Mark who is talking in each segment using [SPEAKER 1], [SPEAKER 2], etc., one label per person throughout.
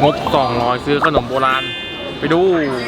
[SPEAKER 1] งบ200ซื้อขนมโบราณไปดู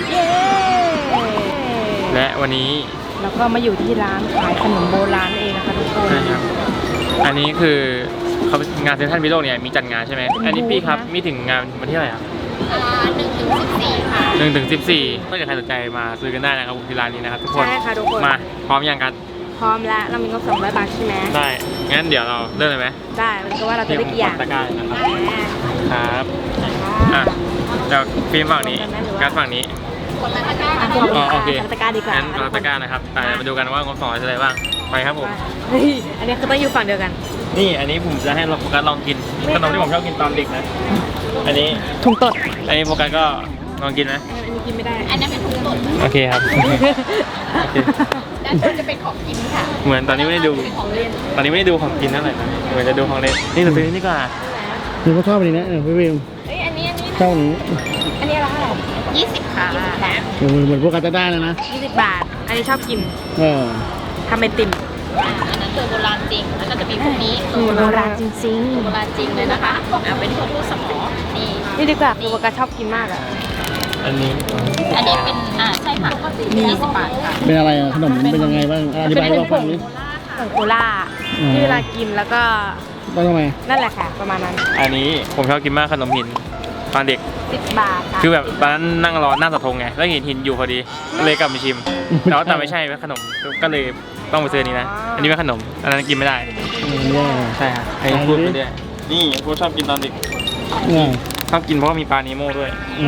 [SPEAKER 1] และวันนี้
[SPEAKER 2] เราก็มาอยู่ที่ร้านขายขนมโบราณเองนะคะทุกคน
[SPEAKER 1] ใช่ครับอันนี้คือเขางานเซ็นทรัลวิโรจน์เนี่ยมีจัดงานใช่ไหมอันนี้พี่ครับมีถึงงานวันที่เท่าไหร่ครับ
[SPEAKER 3] 1 ถึง 14ค่ะ
[SPEAKER 1] 1 ถึง 14ถ้าเกิดใครสนใจมาซื้อกันได้นะครับที่ร้านนี้นะครับทุกคน
[SPEAKER 2] ใช่ค่ะทุกคน
[SPEAKER 1] มาพร้อมยังกัน
[SPEAKER 2] พร้อมแล้วเรามีงบ200 บาทใช่ไหม
[SPEAKER 1] ได้งั้นเดี๋ยวเราเริ่มเลยไหม
[SPEAKER 2] ได้มันก็ว่าเราจะได้กี่อย่าง
[SPEAKER 1] ตะกร้านะครับครับอ่ะเดี๋ยวฟิล์มฝั่งนี้การฝั่งนี้
[SPEAKER 3] คนละตะกร้า
[SPEAKER 1] อ๋อโอเค
[SPEAKER 2] ตะกร้าดีกว่า
[SPEAKER 1] งั้นเราตะกร้านะครับมาดูกันว่างบ200จะอะไรบ้างไปครับผม
[SPEAKER 2] เฮ้ยอันนี้คือต้องอยู่ฝั่งเดียวกัน
[SPEAKER 1] นี่อันนี้ผมจะให้โฟกัสลองกินขนมที่ผมชอบกินตอนเด็กนะอันนี้
[SPEAKER 2] ถุงตด
[SPEAKER 1] อันนี้โฟกัสก็ลองกินไหม
[SPEAKER 2] อันนี้กินไม่ได้
[SPEAKER 3] อันนั้นเป็นถุงตด
[SPEAKER 1] โอเคครับโอเค
[SPEAKER 3] ด้านบนจะเป็นของกินค่ะ
[SPEAKER 1] เหมือนตอนนี้ไม่ได้ดูตอนนี้ไม่ได้ดูของกินเท่าไหร่นะเหมือนจะดูของเล่นนี่เราซื้อนี่ก่อน
[SPEAKER 4] คือเขาชอบอันนี้นะพี่วิว
[SPEAKER 3] เฮ้ยอันนี้
[SPEAKER 4] ชอบอันนี้
[SPEAKER 2] อันนี้ราคาเท่าไหร่
[SPEAKER 3] 20 ค่ะ
[SPEAKER 4] เหมือนพวกกาตาด้าเลยนะ
[SPEAKER 2] 20 บาทอันนี้ชอบกินทำไอติม
[SPEAKER 3] อันนั้นคือโบราณจริงแล้วก็จะมีพวกนี้
[SPEAKER 2] โบราณจริง
[SPEAKER 3] โบราณจริงเลยนะคะเป็นพวกลูกสมอ
[SPEAKER 2] นี่ดีกว่าโบกาชอบกินมากอ่ะ
[SPEAKER 1] อันนี้
[SPEAKER 3] เป็นใช่ค่ะ20 บาทค่ะ
[SPEAKER 4] เป็นอะไรขนมเป็นยังไงบ้างอธิบายให้เราฟังนิด
[SPEAKER 2] ผงโคล่าที่เวลากินแล้วก็
[SPEAKER 4] ทำไม
[SPEAKER 2] นั่นแหละค่ะประมาณนั้น
[SPEAKER 1] อันนี้ผมชอบกินมากขนมหินตอนเด็ก
[SPEAKER 2] 10 บาทค่ะ
[SPEAKER 1] คือแบบตอนนั้นนั่งรอหน้าเสาธงไงแล้วเห็นหินอยู่พอดีเลยกลับมาชิมแต่ไม่ใช่เป็นขนมก็เลยต้องไปซื้อนี้นะอันนี้เป็นขนมอันนั้นกินไม่ได้ใช่ครับไอ้พูดไปเรื่อยนี่พูดชอบกินตอนเด็กชอบกินเพราะว่ามีปลาเนโม่ด้วย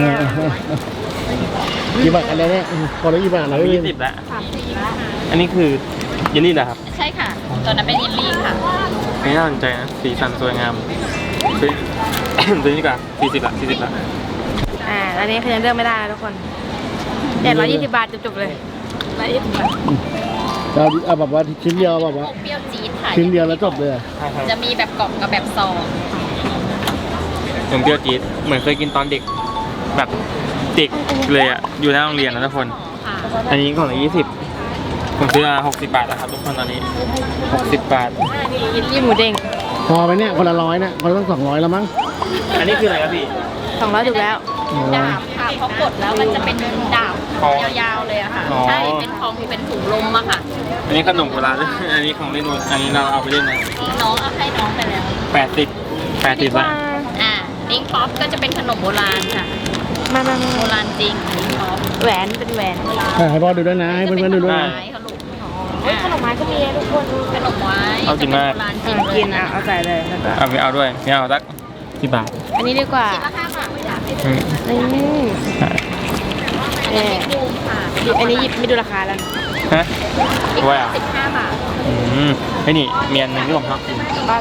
[SPEAKER 4] กี่บาทอะไรเนี่ยพอได้กี่บาทแล้ว
[SPEAKER 1] 20ละอันนี้คือเยลลี่เหรอครับ
[SPEAKER 3] ใช่ค่ะตอนนั้นเป็นเยลลี่ค่ะ
[SPEAKER 1] ไม่น่าสนใจนะสีสันสวยงามซื้อซื้อนี่ก่อน40 ละ
[SPEAKER 2] อันนี้คือยังเลือกไม่ได้ทุกคน120 บาทจบเลย120 บาท
[SPEAKER 4] เราเอาแบบว่าชิ้นเดียวแบบว่า
[SPEAKER 3] เปรี้ยวจี๊ดค่ะ
[SPEAKER 4] ชิ้นเดียวแล้วจบเลย
[SPEAKER 3] จะมีแบบกล่องกับแบบซอง
[SPEAKER 1] ผมเปรี้ยวจี๊ดเหมือนเคยกินตอนเด็กแบบเด็กเลยอ่ะอยู่หน้าโรงเรียนนะทุกคนอันนี้กล่องละ20ผมซื้อมา60 บาทแล้วครับทุกคนตอนนี้60 บาท
[SPEAKER 2] ยินดีหมูเด้ง
[SPEAKER 4] พอไหมเนี่ยคนละ100นะคนละต้อง200แล้วมั้ง
[SPEAKER 1] อันนี้คืออะไรครับพี่
[SPEAKER 2] 200ถูกแล้ว
[SPEAKER 3] ดาบค่ะพอกดแล้วมันจะเป็นดาบยาวๆเลยอะค่ะใช่เป็นของเป็นถุงลมอะค่ะ
[SPEAKER 1] อันนี้ขนมโบราณอันนี้ของเล่นอันนี้เราเอาไปเล่นนะ
[SPEAKER 3] น้องเอาให้น้องไปแล้ว
[SPEAKER 1] 80 บาท
[SPEAKER 3] ลิงท็อปก็จะเป็นขนมโบราณค่ะ
[SPEAKER 2] มา
[SPEAKER 3] โบราณจริงลิงท็อป
[SPEAKER 2] แหวนเป็นแหวน
[SPEAKER 4] ให้พ่อดูด้วยนะให้เพื่อนๆดูด้วยนะ
[SPEAKER 2] ขนมไม้ก็มีทุกคน
[SPEAKER 3] ขนมไม้
[SPEAKER 1] เอาจริงมาก
[SPEAKER 2] กินเอาใส่เลย
[SPEAKER 1] เอาด้วยไม่เอาสัก10 บาท
[SPEAKER 2] อันนี้ดีกว่า
[SPEAKER 3] ราคาค่ะไม่อยากให้
[SPEAKER 2] ดูอันนี้ไม่ดูราคาแล้ว
[SPEAKER 1] ฮะว่า
[SPEAKER 3] 15 บาท
[SPEAKER 1] ไอ้นี่เมียนหนึ่งที่ผมชอบกิน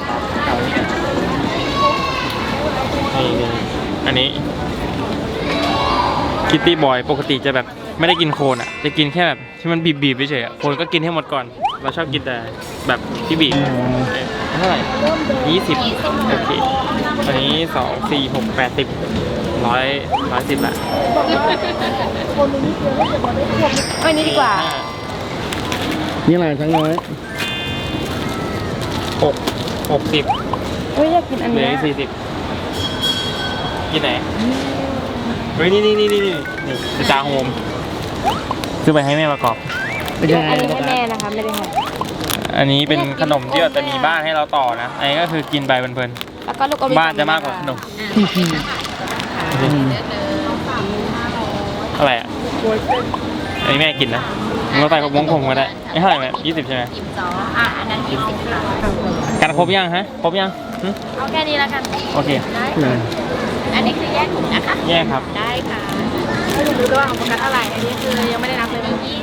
[SPEAKER 1] นี่อันนี้คิตตี้บอยปกติจะแบบไม่ได้กินโคนอ่ะจะกินแค่แบบที่มันบีบๆเฉยๆโคนก็กินให้หมดก่อนเราชอบกินแต่แบบที่บีบเท่าไหร่20โอเคอันนี้2 4 6 80 110ละ
[SPEAKER 2] อันนี้ดีกว่า
[SPEAKER 4] นี่อะไรทั้งน้อย
[SPEAKER 1] 60
[SPEAKER 2] เฮ้ยอยากกินอันนี้
[SPEAKER 1] 40กินไหนเฮ้ยนี่จาโฮมซื้อไปให้แม่ประกอบ
[SPEAKER 2] อันนี้ให้แม่นะคะไม่ได้ให้
[SPEAKER 1] อันนี้เป็นขนมที่จะมีบ้านให้เราต่อนะอันนี้ก็คือกินไปเพลิน
[SPEAKER 2] ๆแล้วก็ลูก
[SPEAKER 1] บ้านจะมากกว่าขนมอะไรอ่ะอันนี้แม่กินนะเราใส่กับวงผมก็ได้ไม่เท่าไหร่ไหม20ใช่ไหม
[SPEAKER 3] อันนั้น20ค่ะ
[SPEAKER 1] กันครบยังฮะครบยัง
[SPEAKER 3] เอาแค่นี้แล้วกัน
[SPEAKER 1] โอเค
[SPEAKER 3] อันนี้คือแยกถุงนะคะ
[SPEAKER 1] แยกครับ
[SPEAKER 3] ได้ค่ะ
[SPEAKER 2] ให้ดูด้วยว่าของโฟกัสเท่าไหร่อันนี้คือยังไม่ได้นับเลย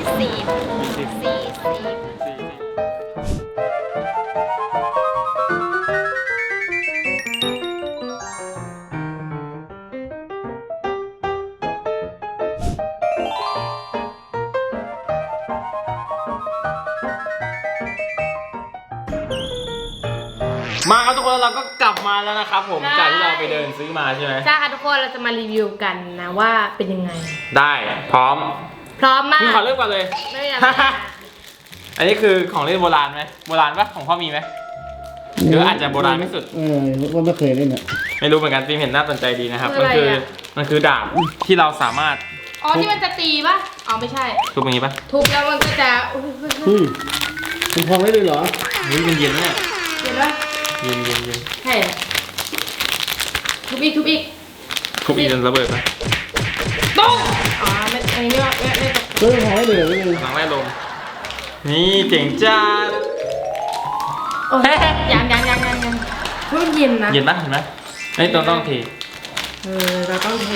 [SPEAKER 1] มาครับทุกคนเราก็กลับมาแล้วนะครับผมจากที่เราไปเดินซื้อมาใช่ไหม
[SPEAKER 2] ใช่ค่ะทุกคนเราจะมารีวิวกันนะว่าเป็นยังไง
[SPEAKER 1] ได้พร้อม
[SPEAKER 2] มาก
[SPEAKER 1] พี่ขอเริ่มก่อนเลย
[SPEAKER 2] ไม่อยาก
[SPEAKER 1] อันนี้คือของเล่นโบราณไหมโบราณปะของพ่อมีไหมหรืออาจจะโบราณไม่สุด
[SPEAKER 4] ว่าไม่เคยเล่นอ่ะ
[SPEAKER 1] ไม่รู้เหมือนกันฟิล์มเห็นน่าสนใจดีนะครับ
[SPEAKER 2] คืออะไรอะ
[SPEAKER 1] มันคือดาบที่เราสามารถ
[SPEAKER 2] อ๋อที่มันจะตีป่ะอ๋อไม่ใช่
[SPEAKER 1] ทุบอย่างนี้ปะ
[SPEAKER 2] ทุบแล้วมันก็จะ
[SPEAKER 4] มันพองได้เลยเหรอ
[SPEAKER 1] นี่มันเย็นเนี่ย
[SPEAKER 2] เห็นป่ะ
[SPEAKER 1] เย็นเย็นเย็น
[SPEAKER 2] ใช่ทุบอีก
[SPEAKER 1] ทุบอีกจนระเบิดไป
[SPEAKER 2] ตุ้งอ๋อไม่อันนี้ไม่
[SPEAKER 4] พองได้เลยเหรอพี่
[SPEAKER 1] หลังแม่ลมนี่เจ๋งจัด
[SPEAKER 2] โอ้ยยังเพิ่งเย็นนะ
[SPEAKER 1] เย็นปะเห็นไหมไอ้ต้องที
[SPEAKER 2] เราต้องเท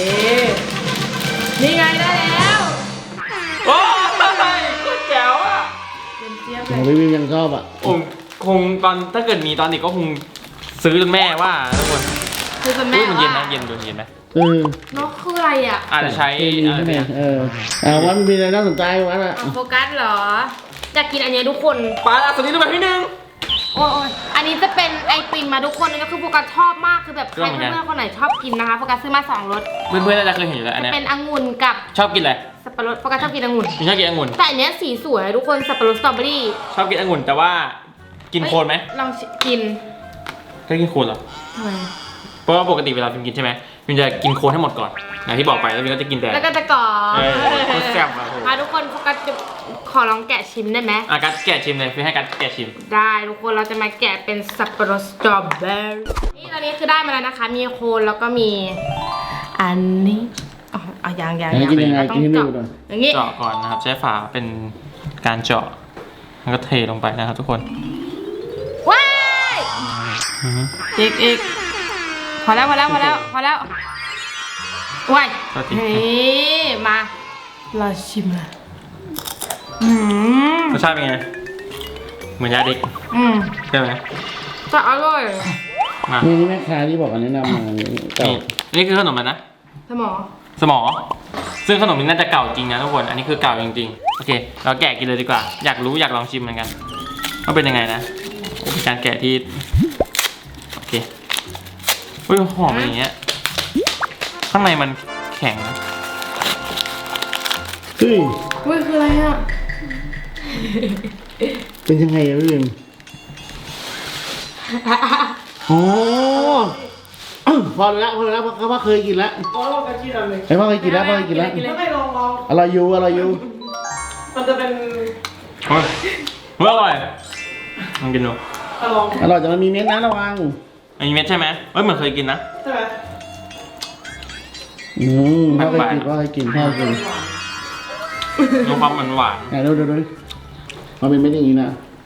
[SPEAKER 2] นี่ไงได้แล้ว
[SPEAKER 1] โอ้ยโคตรแจ๋วอ่ะ
[SPEAKER 2] เป็นเจี๊ยบ
[SPEAKER 4] ข
[SPEAKER 2] เล
[SPEAKER 4] อง
[SPEAKER 2] ย
[SPEAKER 4] พี่ยังชอบอ่ะ
[SPEAKER 1] ผมคงตอนถ้าเกิดมีตอนเด็กก็คงซื้อจนแม่ว่าทุกคน
[SPEAKER 2] คือเป็นแม่
[SPEAKER 1] มันเย็นนะ
[SPEAKER 2] ว่า
[SPEAKER 1] เย็นดูเย็นไหม
[SPEAKER 2] นกคืออะไรอ่ะ
[SPEAKER 1] อาจจะใช้
[SPEAKER 4] ใช่ไหมวันมีอะไรน่าสนใจวันอ่ะ
[SPEAKER 2] โฟกัสเหรออยากกินอันนี้ทุกคน
[SPEAKER 1] ปลาตัวนี้ดูแบบที่หนึ่ง
[SPEAKER 2] โอ้ยอันนี้จะเป็นไอติมมาทุกคนนี่ก็คือโฟกัสชอบมากคือแบบใครเพื่อนๆคนไหนชอบกินนะคะโฟกัสซื้อมา2รส
[SPEAKER 1] เพื่อนๆน่าจะเคยเห็นอยู่แล้วอันเนี้ย
[SPEAKER 2] เป็นองุ่นกับ
[SPEAKER 1] ชอบกินอะไร
[SPEAKER 2] สับปะรดโฟกัสชอบกินองุ่น
[SPEAKER 1] ไม่ชอบกินองุ่น
[SPEAKER 2] แต่อันเนี้ยสีสวยทุกคนสับปะรดสตรอเบอรี่
[SPEAKER 1] ชอบกินองุ่นแต่ว่ากินโคนไหม
[SPEAKER 2] ลองกิน
[SPEAKER 1] ก็กินโคนเหรอ
[SPEAKER 2] ทำไม
[SPEAKER 1] เพราะว่าปกติเวลาพิมกินใช่ไหมพิมจะกินโคนให้หมดก่อนอย่างที่บอกไปแล้วพิมก็จะกินแต่
[SPEAKER 2] แล้วก็จะกรอบ
[SPEAKER 1] โคตรแซ่บอ่ะโห
[SPEAKER 2] ทุกคนโฟกัสจะขอลองแกะชิมได้ไหม
[SPEAKER 1] กัดแกะชิมเลยพิมให้กัดแกะชิม
[SPEAKER 2] ได้ทุกคนเราจะมาแกะเป็นสับปะรดสตรอเบอรี่นี่ตอนนี้คือได้มาแล้วนะคะ มีโคนแล้วก็มีอันนี้อ๋อยัง
[SPEAKER 4] กินยังไง
[SPEAKER 2] เราต้
[SPEAKER 4] กิ
[SPEAKER 2] อน ง
[SPEAKER 4] ให้ดู
[SPEAKER 2] เจาะ
[SPEAKER 4] หน่อย
[SPEAKER 2] อย่างงี้
[SPEAKER 1] เจาะก่อนนะครับใช้ฝาเป็นการเจาะแล้วก็เทลงไปนะครับทุกคน
[SPEAKER 2] ว้ายอีกพอแล้วว้าย มาเราชิมละ
[SPEAKER 1] รสชาติเป็นไงเหมือนยาเด็กใช่ไหม
[SPEAKER 2] จะอร่อย
[SPEAKER 1] มา
[SPEAKER 4] นี่แม่ค้าที่บอกอันแนะนำมาเก่า
[SPEAKER 1] นี่คือขนมมันนะ
[SPEAKER 2] สมอ
[SPEAKER 1] สมอซึ่งขนมนี้น่าจะเก่าจริงนะทุกคนอันนี้คือเก่าจริงๆโอเคเราแกะกินเลยดีกว่าอยากลองชิมเหมือนกันว่าเป็นยังไงนะเป็นการแกะที่โอเคอุ้ยหอมอย่างเงี้ยข้างในมันแข็งนะ
[SPEAKER 4] เฮ้ย
[SPEAKER 2] อุ้ยคืออะไรอ่ะ
[SPEAKER 4] เป็นยังไงอะพี่บิมอ๋อพอแล้วเพราะว่าเคยกินแล้วพ่อเคยกินแล้วพ่อเคยกินแล้ว
[SPEAKER 5] ไม่ลอง
[SPEAKER 4] อร่อยอยู่
[SPEAKER 5] มันจะเป็น
[SPEAKER 1] เฮ้ยอร่อยลองกินดู
[SPEAKER 5] ลอง
[SPEAKER 4] อร่อยแต่มันมีเม็ดนะระวัง
[SPEAKER 1] อันนี้เม็ดใช่ไหมเฮ้ยเหมือนเคยกินนะ
[SPEAKER 5] ใช่ไหม
[SPEAKER 4] พ่อเคยกิน
[SPEAKER 1] มีความหวาน
[SPEAKER 4] ไหนดูมันเป็นเม็ดอย่างนี้นะ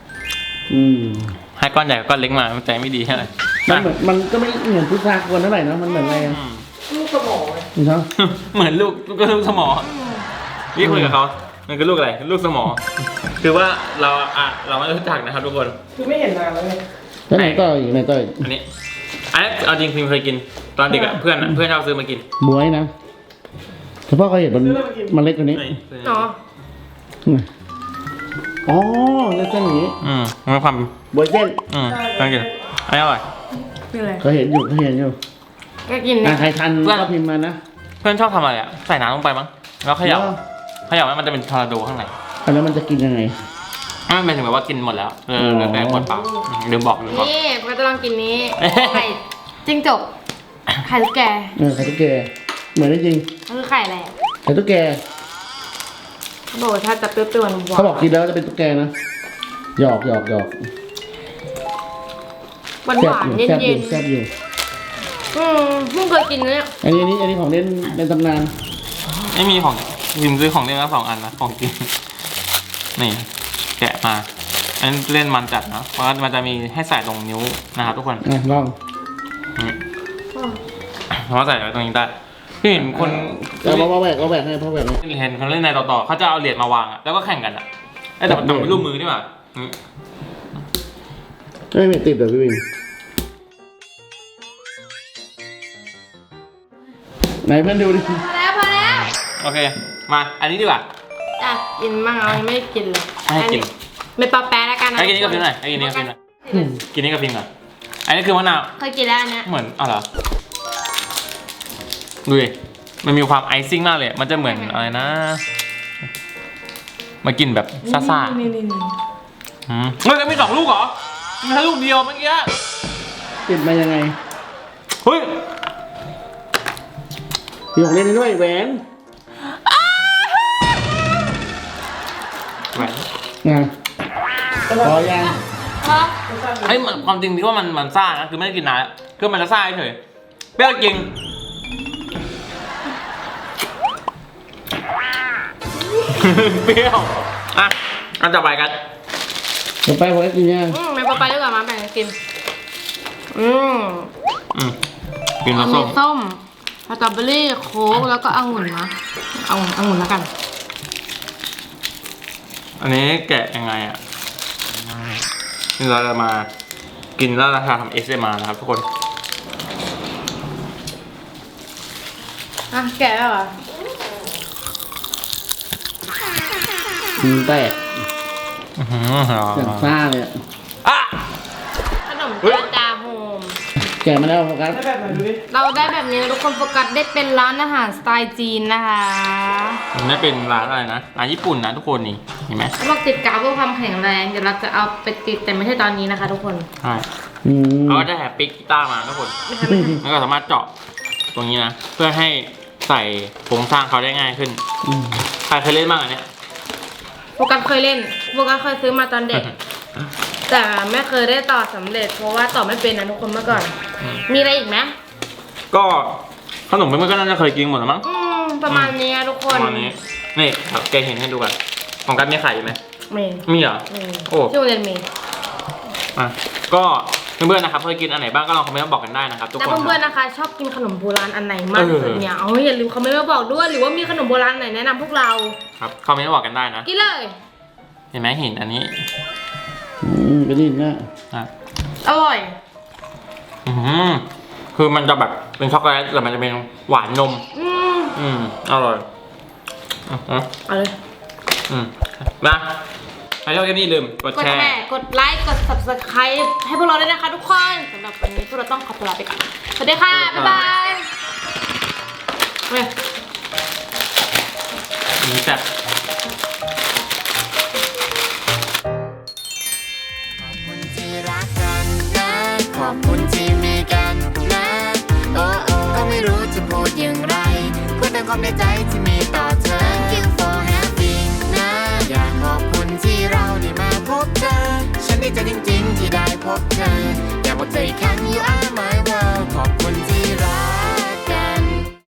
[SPEAKER 1] ให้ก้อนใหญ่กับก้อนเล็กมาใจไม่ดีใช่ไหม
[SPEAKER 4] มันก็ไม่เหมือนพุทรากวนเท่าไหร่นะมันเหมือนอะไรอ่ะ
[SPEAKER 5] ลูกสมองเลย
[SPEAKER 4] นี่ครับ
[SPEAKER 1] เหมือนลูกสมอนี่คุยกับเขามันคือลูกอะไรลูกสมอคือว่าเราไม่รู้จักนะครับทุกคน
[SPEAKER 5] คือไม่เห็นนานแล้วไง
[SPEAKER 4] แล้วไหนต่ออีก
[SPEAKER 1] อันนี้เอาจริงพิมเคยกินตอนเด็กอะเพื่อนชอบซื้อมากิน
[SPEAKER 4] บวยนะแต่พ่อเคยเห็นมันเล็กกว่านี้
[SPEAKER 2] เนาะ
[SPEAKER 4] อ๋อเส้นอย่างนี้
[SPEAKER 1] มันมีความ
[SPEAKER 4] บวยเส้น
[SPEAKER 1] ลองกินอันนี้อร่อย
[SPEAKER 2] คืออะไร
[SPEAKER 4] เคยเห็นอยู่
[SPEAKER 2] ก็กินเนี่ย
[SPEAKER 4] ใครทันก็พิมพ์มานะ
[SPEAKER 1] เพื่อนชอบทำอะไรอะใส่น้ำลงไปมั้งแล้วเขย่าแล้วมันจะเป็นทอร์นาโดข้างใน
[SPEAKER 4] แล้วมันจะกินยังไง
[SPEAKER 1] ไม่หมายถึงแบบว่ากินหมดแล้วแต่ขวดเปล่าลืมบอก
[SPEAKER 2] นี่ก็จะลองกินนี้ไข่จิ้งจกไข่ตุ๊กแก
[SPEAKER 4] ไข่ตุ๊กแกเหมือนได้จริง
[SPEAKER 2] มันคือไข่อะไร
[SPEAKER 4] ไข่ตุ๊กแก
[SPEAKER 2] เขาบอกว่าถ้าจะเปรี้ยวๆหวาน
[SPEAKER 4] เขาบอกกินแล้วจะเป็นตุ๊กแกนะหยอก
[SPEAKER 2] หวาน
[SPEAKER 4] แซ่บ
[SPEAKER 2] เย็น
[SPEAKER 4] แซ่บอยู่
[SPEAKER 2] ๆเพิ่งเคยกินเนี่ย
[SPEAKER 4] อันนี้ของเล่นในตำนาน
[SPEAKER 1] ไม่มีของพิมซื้อของเล่นมา2 อันนะของกินนี่แกะมาอันเล่นมันจัดนะเพราะมันจะมีให้ใส่ตรงนิ้วนะครับทุกคน
[SPEAKER 4] ลอง
[SPEAKER 1] เพราะว่าใส่ไว้ตรงนี้ได้พี่เห็นคน
[SPEAKER 4] เราแหวกให้พ่อแหวก
[SPEAKER 1] เห็นคนเล่นในต่อเขาจะเอาเหรียญมาวางอะแล้วก็แข่งกันอะแต่มันเป็นรูปมือนี่หว่า
[SPEAKER 4] ไม่มีติดเดี๋ยวพี่วินไหนเพื่อนดูดิ
[SPEAKER 2] พอแล้ว
[SPEAKER 1] โอเคมาอันนี้ดีกว่า
[SPEAKER 2] อ่ะกินมั่งเอายังไม่ได้กินเลย
[SPEAKER 1] ให้กิน
[SPEAKER 2] ไม่ปลาแป๊ะแล้วกันนะ
[SPEAKER 1] ให้กินนี่กับพิมหน่อยให้กินนี่กับพิมหน่อยกินนี่กับพิมก่อนอันนี้คือมะนาว
[SPEAKER 2] เคยกินแล้วอันเนี้ย
[SPEAKER 1] เหมือนเหรอดูดิมันมีความไอซิ่งมากเลยมันจะเหมือนอะไรนะมากินแบบซ่าๆ
[SPEAKER 2] นี่
[SPEAKER 1] เฮ้ยแล้วมี2 ลูกเหรอมีแค่ลูกเดียวเมื่อกี้
[SPEAKER 4] ติดมายังไง
[SPEAKER 1] เฮ้ย
[SPEAKER 4] มีของเล่นให้ด้วยแหวน
[SPEAKER 1] แหวน
[SPEAKER 4] ไงพอยัง
[SPEAKER 1] ไอ้ยความจริงที่ว่ามันซ่านะคือไม่ได้กินนานแล้วคือมันจะซ่าเฉยเปรี้ยวจริงเปรี้ยวอ่ะอันต่อไปกัน
[SPEAKER 4] ต่อไปผมจะกินยัง
[SPEAKER 2] ไม่ไปดีกว่ามาแบ่งกันกิน
[SPEAKER 1] กินแล้ว
[SPEAKER 2] มี
[SPEAKER 1] ส้ม
[SPEAKER 2] ส้มสตรอเบอรี่โค้กแล้วก็องุ่นนะองุ่นแล้วกัน
[SPEAKER 1] อันนี้แกะยังไงอ่ะนี่เราจะมากินแล้วราคาทำ ASMR นะครับทุกคน
[SPEAKER 2] อ่ะแกะแล้วเหรอ
[SPEAKER 4] แตกอย่างซ่าเลยอะ
[SPEAKER 1] อ่ะ
[SPEAKER 2] ขนมจาโฮม
[SPEAKER 4] แกะมาแล้วโฟกัส
[SPEAKER 5] ได้แบบไหนดูดิ
[SPEAKER 2] เราได้แบบนี้นะทุกคนโฟกัสได้เป็นร้านอาหารสไตล์จีนนะคะ
[SPEAKER 1] มันไม่เป็นร้านอะไรนะร้านญี่ปุ่นนะทุกคนนี่เห็นไหม
[SPEAKER 2] เขาบอกติดกาวเพื่อความแข็งแรงเดี๋ยวเราจะเอาไปติดแต่ไม่ใช่ตอนนี้นะคะ ทุกคน
[SPEAKER 1] ใช่
[SPEAKER 4] อืม
[SPEAKER 1] เขาก็จะแถมปิกกีตาร์มาทุกคนแล้วก็สามารถเจาะตรงนี้นะเพื่อให้ใส่โครงสร้างเขาได้ง่ายขึ้นใครเคยเล่นบ้างอันเนี้ย
[SPEAKER 2] โฟกัสเคยเล่นโฟกัสเคยซื้อมาตอนเด็ก แต่ไม่เคยได้ต่อสำเร็จ เพราะว่าต่อไม่เป็นนะทุกคนเมื่อก่อน มีอะไรอีกไหม
[SPEAKER 1] ก็ขนมเพื่อนๆก็น่าจะเคยกินหมดแล้วมั้ง
[SPEAKER 2] ประมาณนี้นะทุกค
[SPEAKER 1] ป
[SPEAKER 2] น
[SPEAKER 1] ระมาณนี้นี่ครับแกเห็นให้ดูกันของกันมีไข่ไหม
[SPEAKER 2] มี
[SPEAKER 1] มีเหรอ
[SPEAKER 2] มี
[SPEAKER 1] โอ้
[SPEAKER 2] ที่โรงเรียนมี
[SPEAKER 1] อ่ะก็เพื่อนๆนะครับเคยกินอันไหนบ้างก็ลองคอมเมนต์มาบอกกันได้นะครับทุก
[SPEAKER 2] แล้ว
[SPEAKER 1] คน
[SPEAKER 2] เพื่อนๆนะคะ ชอบกินขนมโบราณอันไหนมากที่สุดเนี่ยอย่าลืมคอมเมนต์มาบอกด้วย หรือว่ามีขนมโบราณไหนแนะนำพวกเรา
[SPEAKER 1] ครับคอมเมนต์มาบอกกันได้นะ
[SPEAKER 2] กินเลย
[SPEAKER 1] เห็นไหมเห็นอันนี้
[SPEAKER 4] ก็ดีนะ
[SPEAKER 1] อ่ะ
[SPEAKER 2] อร่อย
[SPEAKER 1] อืมคือมันจะแบบเป็นช็อกโกแลตแต่มันจะเป็นหวานนม อร่อย
[SPEAKER 2] เอาเลย
[SPEAKER 1] มาใครชอบคลิปนี้ลืมกด
[SPEAKER 2] กด
[SPEAKER 1] แช
[SPEAKER 2] แช
[SPEAKER 1] ร์
[SPEAKER 2] ร์ กดไลค์ กด subscribe ให้พวกเราด้วยนะคะทุกคนสำหรับวันนี้พวกเราต้องขอตัวลาไปก่อน สวัสดีค่ะ บ๊ายบายเว้ย
[SPEAKER 1] นี่แซ่บ
[SPEAKER 6] ที่รักกันนะขอบคุณที่มีกันนะ โอ้โอ้ก็ไม่รู้จะพูดอย่างไรพูดแต่ความในใจที่มีต่อ